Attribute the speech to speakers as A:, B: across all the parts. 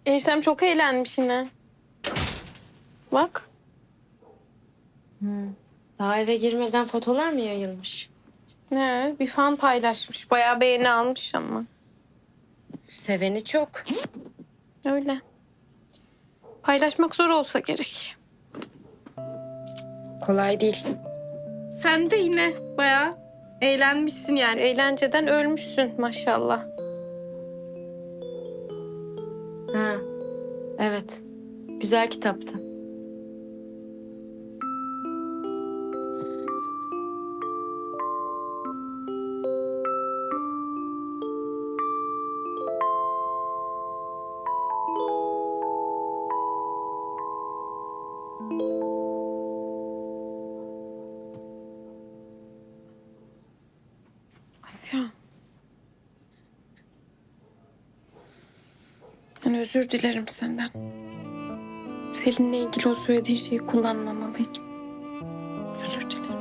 A: Eniştem çok eğlenmiş yine. Bak.
B: Daha eve girmeden fotolar mı yayılmış?
A: Ne? Bir fan paylaşmış. Bayağı beğeni almış ama.
B: Seveni çok.
A: Öyle. Paylaşmak zor olsa gerek.
B: Kolay değil.
A: Sen de yine bayağı eğlenmişsin yani. Eğlenceden ölmüşsün maşallah.
B: Ha, evet. Güzel kitaptı.
A: Asya. Ben özür dilerim senden. Selin'le ilgili o söylediğin şeyi kullanmamalıydım. Özür dilerim.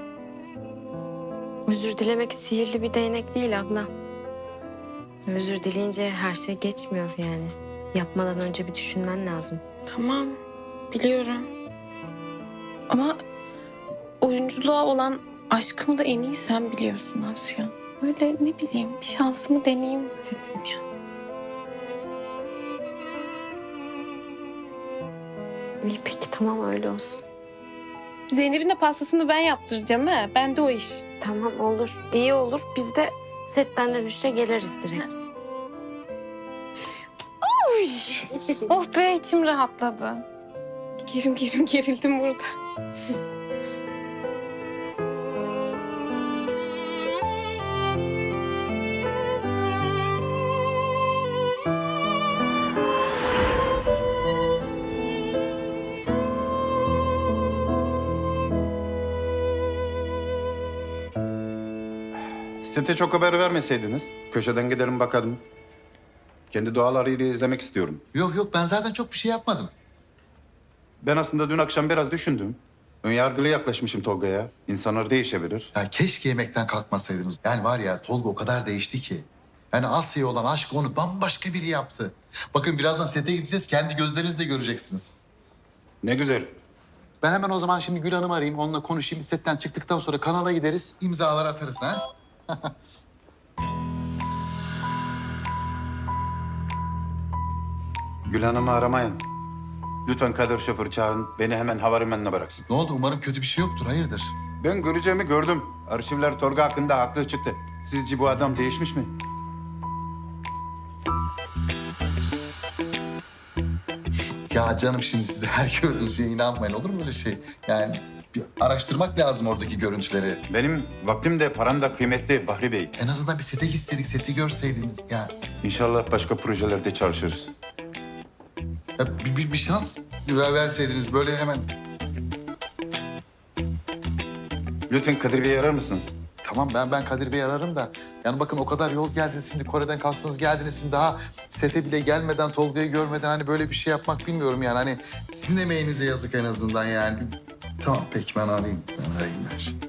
B: Özür dilemek sihirli bir değnek değil abla. Özür dileyince her şey geçmiyor yani. Yapmadan önce bir düşünmen lazım.
A: Tamam, biliyorum. Ama oyunculuğa olan aşkımı da en iyi sen biliyorsun Asya. Öyle ne bileyim bir şansımı deneyeyim dedim ya.
B: İyi peki tamam öyle olsun.
A: Zeynep'in de pastasını ben yaptıracağım ha. Ben de o iş.
B: Tamam olur. İyi olur. Biz de setten dönüşte geliriz direkt.
A: Oh be içim rahatladı. Gerildim burada.
C: Sete çok haber vermeseydiniz. Köşeden giderim bakarım. Kendi doğalarıyla izlemek istiyorum.
D: Yok yok ben zaten çok bir şey yapmadım.
C: Ben aslında dün akşam biraz düşündüm. Önyargılı yaklaşmışım Tolga'ya. İnsanlar değişebilir.
D: Ya keşke yemekten kalkmasaydınız. Yani var ya Tolga o kadar değişti ki. Yani Asya'ya olan aşk onu bambaşka biri yaptı. Bakın birazdan sete gideceğiz. Kendi gözlerinizle göreceksiniz.
C: Ne güzel.
D: Ben hemen o zaman şimdi Gül Hanım'ı arayayım. Onunla konuşayım. Setten çıktıktan sonra kanala gideriz. İmzalar atarız ha.
C: Gül Hanım'ı aramayın. Lütfen Kadir şoförü çağırın. Beni hemen havalimanına bıraksın.
D: Ne oldu? Umarım kötü bir şey yoktur. Hayırdır?
C: Ben göreceğimi gördüm. Arşivler Tolga hakkında haklı çıktı. Sizce bu adam değişmiş mi?
D: Ya canım şimdi siz de her gördüğünüz şeye inanmayın. Olur mu öyle şey? Yani bir araştırmak lazım oradaki görüntüleri.
C: Benim vaktim de param da kıymetli Bahri Bey.
D: En azından bir sete gitseydik, seti görseydiniz. Ya,
C: İnşallah başka projelerde çalışırız.
D: ya bir şans verseydiniz böyle hemen.
C: Lütfen Kadir Bey'i arar mısınız?
D: Tamam ben Kadir Bey'i ararım da. Yani bakın o kadar yol geldiniz şimdi Kore'den kalktınız geldiniz şimdi daha sete bile gelmeden Tolga'yı görmeden hani böyle bir şey yapmak bilmiyorum yani. Hani sizin emeğinize yazık en azından yani. Tamam peki ben arayayım. Ben arayayım ben şimdi.